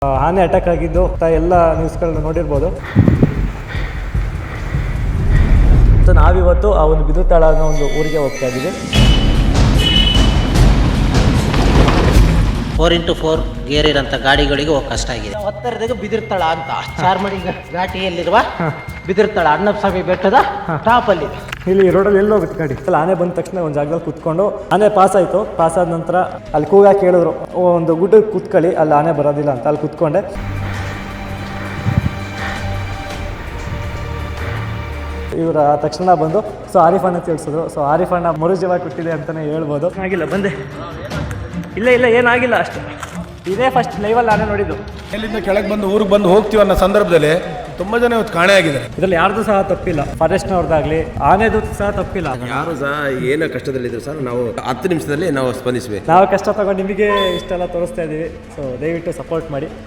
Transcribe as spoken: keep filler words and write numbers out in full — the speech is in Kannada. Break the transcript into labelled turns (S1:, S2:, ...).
S1: ಆನೆ ಅಟ್ಯಾಕ್ ಆಗಿದ್ದು ಎಲ್ಲ ನ್ಯೂಸ್ಗಳನ್ನ ನೋಡಿರ್ಬೋದು. ಸೊ ನಾವಿವತ್ತು ಆ ಒಂದು ಬಿದಿರ್ತಾಳ ಅನ್ನೋ ಒಂದು ಊರಿಗೆ ಹೋಗ್ತಾ ಇದ್ದೀವಿ.
S2: ಫೋರ್ ಇಂಟು ಫೋರ್ ಗೇರ್ ಇರೋಂಥ ಗಾಡಿಗಳಿಗೆ ಹೋಗಿ ಕಷ್ಟ ಆಗಿದೆ. ಹತ್ತರದಾಗ ಬಿದಿರ್ತಾಳ ಅಂತ ಚಾರ್ಮಡಿ ಘಾಟಿಯಲ್ಲಿರುವ ಬಿದಿರ್ತಾಳ ಅಣ್ಣಸ್ವಾಮಿ ಬೆಟ್ಟದ ಟಾಪ್ ಅಲ್ಲಿ.
S1: ಇಲ್ಲಿ ರೋಡಲ್ಲಿ ಎಲ್ಲ ಹೋಗುತ್ತೆ ಗಾಡಿ. ಅಲ್ಲಿ ಆನೆ ಬಂದ ತಕ್ಷಣ ಒಂದು ಜಾಗದಲ್ಲಿ ಕುತ್ಕೊಂಡು ಆನೆ ಪಾಸ್ ಆಯಿತು. ಪಾಸ್ ಆದ ನಂತರ ಅಲ್ಲಿ ಕೂಗಾಕಿ ಕೇಳಿದ್ರು, ಒಂದು ಗುಡ್ಡಕ್ಕೆ ಕುತ್ಕೊಳ್ಳಿ, ಅಲ್ಲಿ ಆನೆ ಬರೋದಿಲ್ಲ ಅಂತ. ಅಲ್ಲಿ ಕುತ್ಕೊಂಡೆ. ಇವರ ತಕ್ಷಣ ಬಂದು ಸೊ ಆರಿಫ್ ಅಣ್ಣ ತಿಳಿಸಿದ್ರು. ಸೊ ಆರಿಫ್ ಅಣ್ಣ ಮರುಜೀವ ಕೊಟ್ಟಿದೆ ಅಂತಲೇ ಹೇಳ್ಬೋದು. ಆಗಿಲ್ಲ ಬಂದೆ, ಇಲ್ಲ ಇಲ್ಲ ಏನಾಗಿಲ್ಲ ಅಷ್ಟು. ಇದೇ ಫಸ್ಟ್ ಲೈವಲ್ಲಿ ಆನೆ ನೋಡಿದ್ದು.
S3: ಎಲ್ಲಿಂದ ಕೆಳಗೆ ಬಂದು ಊರಿಗೆ ಬಂದು ಹೋಗ್ತೀವಿ ಅನ್ನೋ ಸಂದರ್ಭದಲ್ಲಿ ತುಂಬ ಜನ ಇವತ್ತು ಕಾಣೆ ಆಗಿದೆ.
S1: ಇದರಲ್ಲಿ ಯಾರ್ದು ಸಹ ತಪ್ಪಿಲ್ಲ, ಫಾರೆಸ್ಟ್ನವ್ರದ್ದಾಗಲಿ ಆನೆದು ಸಹ ತಪ್ಪಿಲ್ಲ.
S4: ಯಾರು ಸಹ ಏನೋ ಕಷ್ಟದಲ್ಲಿದ್ರು ಸರ್, ನಾವು ಹತ್ತು ನಿಮಿಷದಲ್ಲಿ ನಾವು ಸ್ಪಂದಿಸಬೇಕು.
S1: ನಾವು ಕಷ್ಟ ತಗೊಂಡು ನಿಮಗೆ ಇಷ್ಟೆಲ್ಲ ತೋರಿಸ್ತಾ ಇದ್ದೀವಿ. ಸೊ ದಯವಿಟ್ಟು ಸಪೋರ್ಟ್ ಮಾಡಿ.